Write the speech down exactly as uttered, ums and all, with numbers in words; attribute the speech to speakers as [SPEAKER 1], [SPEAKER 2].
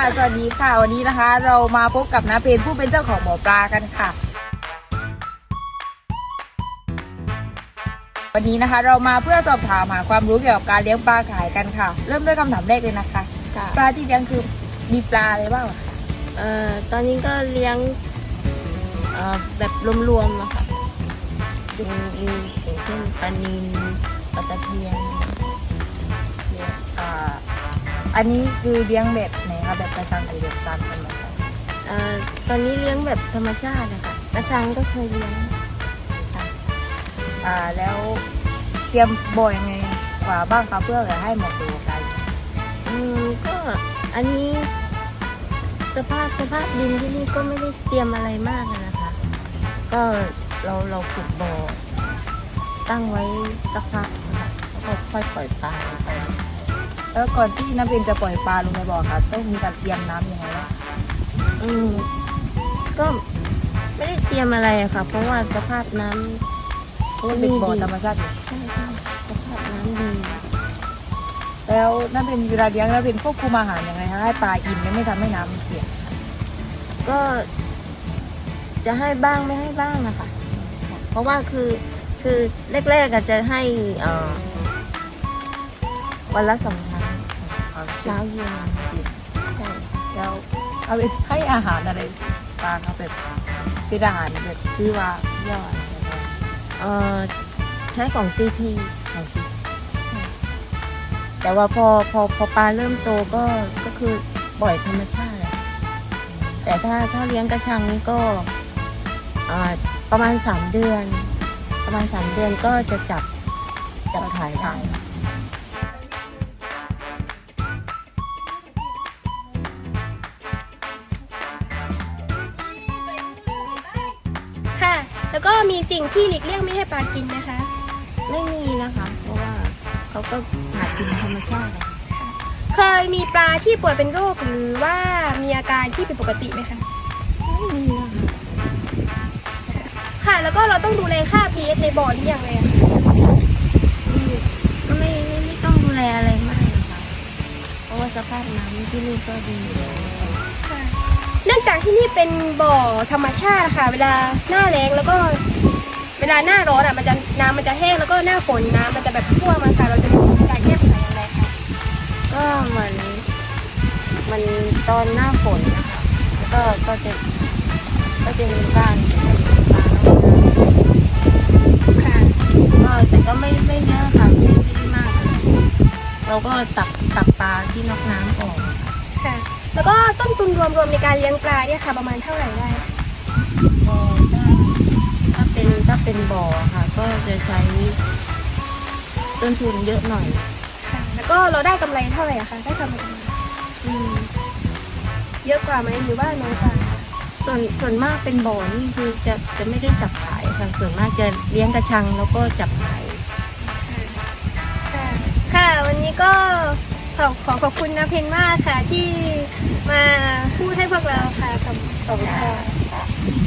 [SPEAKER 1] สวัสดีค่ะวันนี้นะคะเรามาพบกับน้าเพนผู้เป็นเจ้าของบ่อปลากันค่ะวันนี้นะคะเรามาเพื่อสอบถามหาความรู้เกี่ยวกับการเลี้ยงปลาขายกันค่ะเริ่มด้วยคำถามแรกเลยนะคะปลาที่เลี้ยงคือมีปลาอะไรบ้างคะ
[SPEAKER 2] เอ่อตอนนี้ก็เลี้ยงเอ่อแบบรวมๆอะค่ะมีมีอย่างเช่นปลานิลปลาตะเพียน
[SPEAKER 1] เนี่ยอ่าอันนี้คือเลี้ยงแบบไหนคะแบบกระชังหรือแบบตามธรรมชาติ
[SPEAKER 2] เอ่อตอนนี้เลี้ยงแบบธรรมชาติอะค่ะกระชังก็เคยเลี้ยง
[SPEAKER 1] ค่ะอ่าแล้วเตรียมบ่อยังไงกว่าบ้างคะเพื่อจะให้เหมาะสมกับการ
[SPEAKER 2] อืมก็อันนี้สภาพสภาพดินที่นี่ก็ไม่ได้เตรียมอะไรมากนะคะก็เราเราขุดบ่อตั้งไว้สักพักนะคะแล้วก็ค่อยปล่อยปลาไป
[SPEAKER 1] แล้วก่อนที่น้าเพนจะปล่อยปลาลงในบ่อค่ะต้องมีการเตรียมน้ำยังไงบ้าง
[SPEAKER 2] อืมก็ไม่ได้เตรียมอะไรอะค่ะเพราะว่าสภาพน้ำ
[SPEAKER 1] เพราะว่าเป็นบ่อธรรมชาติอยู่
[SPEAKER 2] ใช่ใช่สภาพน้ำดี
[SPEAKER 1] แล้วน้าเพนเวลาเลี้ยงน้าเพนควบคุมอาหารยังไงคะให้ปลาอิ่มไม่ทำให้น้ำเสีย
[SPEAKER 2] ก็จะให้บ้างไม่ให้บ้างนะคะเพราะว่าคือคือแรกๆอาจจะให้เอ่อวันละสองครั้งเช้าเย็นใช่
[SPEAKER 1] แล้วเอาไปให้อาหารอะไรปลาเขาแบบเป็นอาหารแบบชื่อว่าย่อย
[SPEAKER 2] เอ่อใช้ของซีพี
[SPEAKER 1] ของซี
[SPEAKER 2] แต่ว่าพอพอพอปลาเริ่มโตก็ก็คือปล่อยธรรมชาติแต่ถ้าถ้าเลี้ยงกระชังนี่ก็ประมาณสามเดือนประมาณสามเดือนก็จะจับจับขายได้
[SPEAKER 3] ค่ะแล้วก็มีสิ่งที่หลีกเลี่ยงไม่ให้ปลากินนะคะ
[SPEAKER 2] ไม่มีนะคะเพราะว่าเขาก็หากินธรรมชาติ
[SPEAKER 3] เคยมีปลาที่ป่วยเป็นโรคหรือว่ามีอาการที่ผิดปกติไหมคะ
[SPEAKER 2] ไม่มีนะคะ
[SPEAKER 3] ค่ะแล้วก็เราต้องดูแลค่า พี เอช ในบ่อนี้อย่างไรอะ
[SPEAKER 2] ก็ไม่ไม่ไม่ต้องดูแลอะไรมากนะคะเพราะว่าสภาพน้ำที่นี่ก็ดี
[SPEAKER 3] ค่ะเนื่องจากที่นี่เป็นบ่อธรรมชาติค่ะเวลาหน้าแล้งแล้วก็เวลาหน้าร้อนอ่ะมันจะน้ำมันจะแห้งแล้วก็หน้าฝนน้ำมันจะแบบท่วมมาค่ะเราจะมีการแก้ปัญหาอย่างไรคะ
[SPEAKER 2] ก็เหมือนมันตอนหน้าฝนนะคะแล้วก็ก็จะก็จะมีบ้านปลาค่ะก็แต่ก็ไม่ไม่เยอะค่ะไม่ไม่มากเราก็ตักตักปลาที่นอกน้ำออก
[SPEAKER 3] ค่ะแล้วก็ต้นทุนรวมๆในการเลี้ยงปลาเนี่ยค่ะประมาณเท่าไหร่ได้
[SPEAKER 2] ก็ถ้าเป็นถ้าเป็นบ่อค่ะก็จะใช้ต้นทุนเยอะหน่อย
[SPEAKER 3] ค่ะแล้วก็เราได้กำไรเท่าไหร่อะคะได้กำไรอืมเยอะกว่าไหมหรือว่าน้อยกว่า
[SPEAKER 2] ส่วนส่วนมากเป็นบ่อนี่คือจะจะไม่ได้จับขายค่ะส่วนมากจะเลี้ยงกระชังแล้วก็จับขาย
[SPEAKER 3] ค่ะค่ะวันนี้ก็ขอขอขอบคุณน้าเพนมากค่ะที่มาพูดให้พวกเราค่ะขอบคุณค่ะ